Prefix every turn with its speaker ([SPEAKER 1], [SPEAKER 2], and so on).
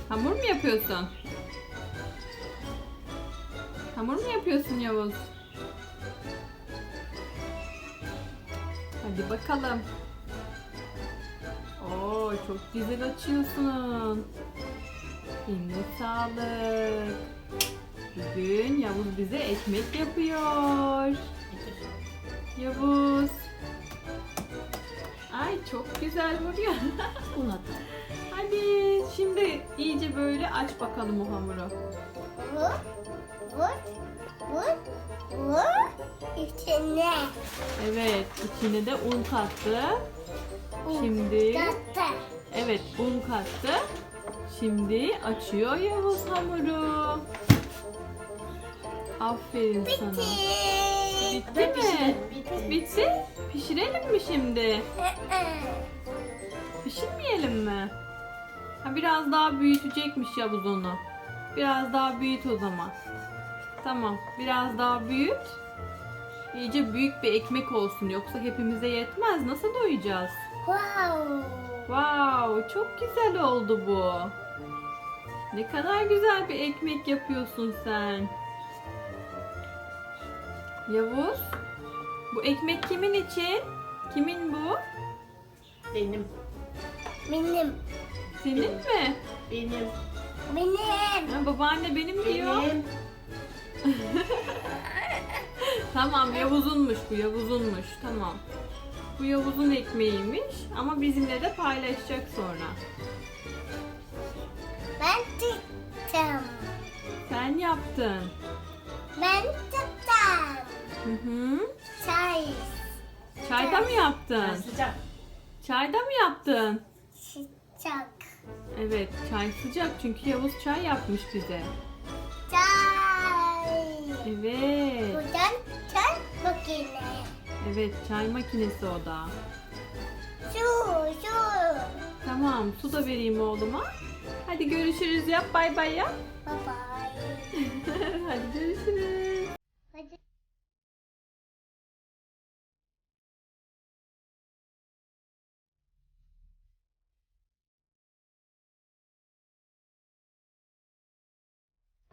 [SPEAKER 1] Hamur mu yapıyorsun? Hamur mu yapıyorsun Yavuz? Hadi bakalım. Oo, çok güzel açıyorsun. Eline sağlık. Bugün Yavuz bize ekmek yapıyor. Yavuz. Ay çok güzel vuruyor.
[SPEAKER 2] Un at.
[SPEAKER 1] Hadi şimdi iyice böyle aç bakalım o hamuru.
[SPEAKER 3] Vur, vur, vur, vur. İçine.
[SPEAKER 1] Evet, içine de un kattı. Şimdi
[SPEAKER 3] Kattı.
[SPEAKER 1] evet, un kattı. Şimdi açıyor Yavuz hamuru. Aferin sana.
[SPEAKER 3] Bitti.
[SPEAKER 1] Bitti mi? Bitti. Pişirelim mi şimdi? Pişirmeyelim mi? Ha, biraz daha büyütecekmiş Yavuz onu. Biraz daha büyüt o zaman. Tamam, biraz daha büyüt. İyice büyük bir ekmek olsun, yoksa hepimize yetmez. Nasıl doyacağız?
[SPEAKER 3] Wow.
[SPEAKER 1] Wow, çok güzel oldu bu. Ne kadar güzel bir ekmek yapıyorsun sen. Yavuz, bu ekmek kimin için? Kimin bu?
[SPEAKER 2] Benim.
[SPEAKER 3] Benim.
[SPEAKER 1] Senin mi?
[SPEAKER 2] Benim.
[SPEAKER 3] Benim.
[SPEAKER 1] Ha, babaanne benim diyor.
[SPEAKER 2] Benim.
[SPEAKER 1] Tamam, Yavuz'unmuş bu, Yavuz'unmuş. Tamam. Bu Yavuz'un ekmeğiymiş ama bizimle de paylaşacak sonra.
[SPEAKER 3] Ben tuttum.
[SPEAKER 1] Sen yaptın.
[SPEAKER 3] Ben tuttum.
[SPEAKER 1] Hı hı.
[SPEAKER 3] Çay.
[SPEAKER 1] Çayda mı yaptın?
[SPEAKER 2] Ben sıcak.
[SPEAKER 1] Çayda mı yaptın?
[SPEAKER 3] Sıcak.
[SPEAKER 1] Evet, çay sıcak çünkü Yavuz çay yapmış bize.
[SPEAKER 3] Çay.
[SPEAKER 1] Evet.
[SPEAKER 3] Buradan çay makine.
[SPEAKER 1] Evet, çay makinesi o da.
[SPEAKER 3] Su.
[SPEAKER 1] Tamam, su da vereyim oğluma. Hadi görüşürüz yap, bay bay yap.
[SPEAKER 3] Bye bye.
[SPEAKER 1] Hadi görüşürüz.